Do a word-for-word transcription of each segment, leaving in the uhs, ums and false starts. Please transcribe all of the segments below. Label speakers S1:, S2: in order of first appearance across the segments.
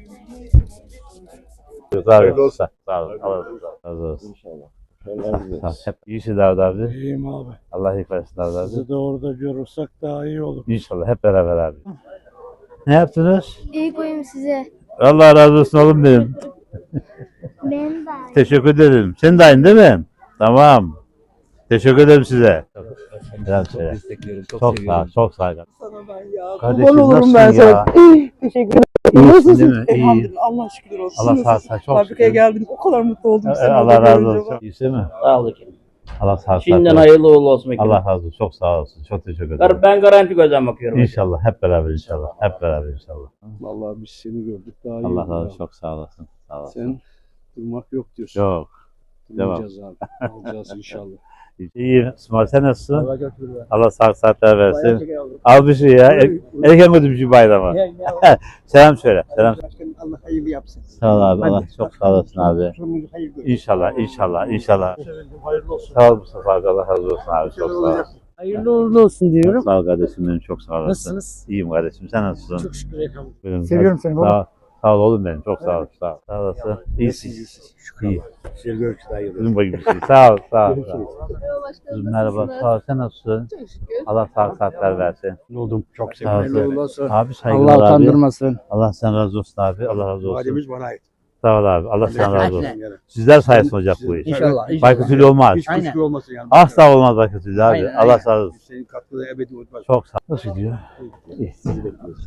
S1: Hayırlı olsun. Sağ olun. Allah razı olsun.
S2: İnşallah.
S1: Sağ ol. Hep iyisin Davut abi.
S3: İyiyim abi.
S1: Allah iyilik versin Davut abi.
S3: Sizi de orada görürsek daha iyi olur.
S1: İnşallah hep beraber abi. Ne yaptınız?
S4: İyi koyayım size.
S1: Allah razı olsun oğlum benim.
S4: Ben de aynı.
S1: Teşekkür ederim. Sen de aynı değil mi? Tamam. Teşekkür ederim size. Selam söyle.
S2: destekliyorum. Çok,
S1: Çok sağ ol.
S2: seviyorum.
S1: Çok sağ ol.
S5: Sana ben ya.
S1: Kardeşim,
S5: Kurban olurum
S1: nasılsın
S5: ben
S1: ya?
S5: sana. Teşekkür ederim.
S1: İyisin değil mi? İyi.
S5: Elhamdülillah. Allah şükürler olsun.
S1: Allah sağ
S5: Nasılsın?
S1: olsun. Çok
S5: Fabrikaya
S1: şükür.
S5: geldim. O kadar mutlu oldum.
S1: Ee,
S5: seni
S1: Allah
S5: orada
S1: razı
S5: görünce
S1: olsun.
S5: bak.
S1: İyisin mi?
S6: Sağ ol efendim.
S1: Allah sağ olsun.
S6: Şimdiden hayırlı uğurlu olsun efendim.
S1: Allah razı olsun. Çok sağ olsun. Çok teşekkür ederim.
S6: Gar- Ben garanti gözden bakıyorum.
S1: İnşallah. Hep beraber inşallah. Hep beraber inşallah.
S3: Vallahi biz seni gördük daha iyi
S1: Allah
S3: oldu
S1: razı
S3: ya.
S1: olsun. Çok sağ olasın. Sağ olasın.
S3: Sen durmak yok diyorsun.
S1: Yok.
S3: Durmayacağız abi. Alacağız inşallah.
S1: İyi. İsmail sen nasılsın?
S3: Allah götürür.
S1: Allah sağlık saatler versin. Al bir şey ya. Er, erken götür bir şey bayrama. Selam söyle. Selam.
S5: Başkanım Allah hayırlı yapsın.
S1: Sağ ol abi. Allah çok sağ olasın abi.
S5: Sonumuzu hayırlı olsun.
S1: İnşallah. İnşallah. İnşallah.
S3: Hayırlı olsun.
S1: Sağ ol Mustafa abi. Allah razı olsun abi. Çok sağ ol.
S7: Hayırlı uğurlu olsun
S1: Çok
S7: diyorum.
S1: sağ ol kardeşim benim. Çok sağ olasın.
S7: Nasılsınız?
S1: İyiyim kardeşim. Sen nasılsın?
S7: Çok şükür efendim.
S1: Benim-
S5: Seviyorum seni baba.
S1: Sağ ol. Sağ ol oğlum benim. Çok sağ ol. Sağ ol. Sağ olasın. İyisin. İyi.
S3: Güzel görüşürüz. Hayırlı
S1: Kızım bakayım bir şey. Sağ ol. Sağ ol. Sağ ol. Kızım merhaba. Sağ ol. Sen nasılsın?
S4: Çok şükür.
S1: Allah sağlık saatler versin.
S3: oldum. Çok
S1: Sağ olasın.
S3: Hayırlı olsun.
S1: Abi saygılar
S7: Allah
S1: abi.
S7: utandırmasın.
S1: Allah sen razı olsun abi. Allah razı olsun.
S3: Vadimiz bana ait.
S1: Sağ ol abi. Allah sen razı olsun. Sizler sayesinde olacak bu iş.
S7: İnşallah.
S1: Baykutülü olmaz.
S3: Hiç
S7: Aynen.
S3: kuşku olmasın yani.
S1: Asla olmaz Baykutülü abi.
S7: Aynen,
S1: Allah
S7: aynen.
S1: sağ olsun.
S3: Senin katkıda ebedi unutmaz.
S1: Çok sağ ol. Nasıl gidiyor? İyi. Sizi bekliyoruz.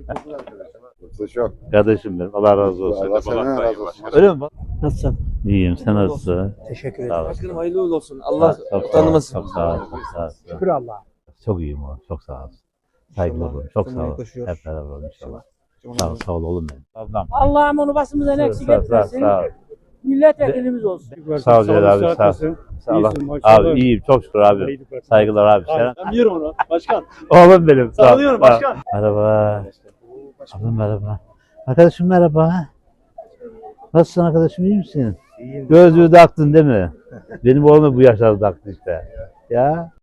S2: Çok.
S1: Kardeşim benim. Allah razı olsun.
S2: Allah senden razı olsun.
S1: Öyle mi? bak?
S7: Nasılsın?
S1: İyiyim. Sen nasılsın?
S7: Teşekkür
S1: Sağ
S7: ederim.
S1: ol.
S5: Başkanım hayırlı uğurlu olsun. Allah
S1: Çok sağ ol.
S5: utandırmasın.
S1: Çok sağ ol. Çok sağ ol.
S7: Şükür Allah'a.
S1: Çok iyiyim oğlum. Çok sağ ol. Saygılar olun. Çok sağ ol. Hep beraber olun inşallah. Sağ ol. Sağ ol oğlum benim. Ablam.
S7: Allah'ım onu basımızdan eksik
S1: Sağ ol. Sağ ol.
S7: etmesin.
S1: Sağ ol.
S7: Milletvekilimiz olsun.
S1: Sağ ol Celal abi. Sağ ol. Sağ ol. Abi iyiyim. Çok şükür abi. Saygılar abi. Selam.
S3: Ben biliyorum onu. Başkan.
S1: Oğlum benim. Sağ ol.
S3: Sağlıyorum başkan.
S1: Merhaba. Ablam merhaba. Arkadaşım merhaba. Nasılsın arkadaşım, iyi misin? İyiyim. Gözlüğü taktın değil mi? Benim oğlum da bu yaşlarda taktı işte. Ya.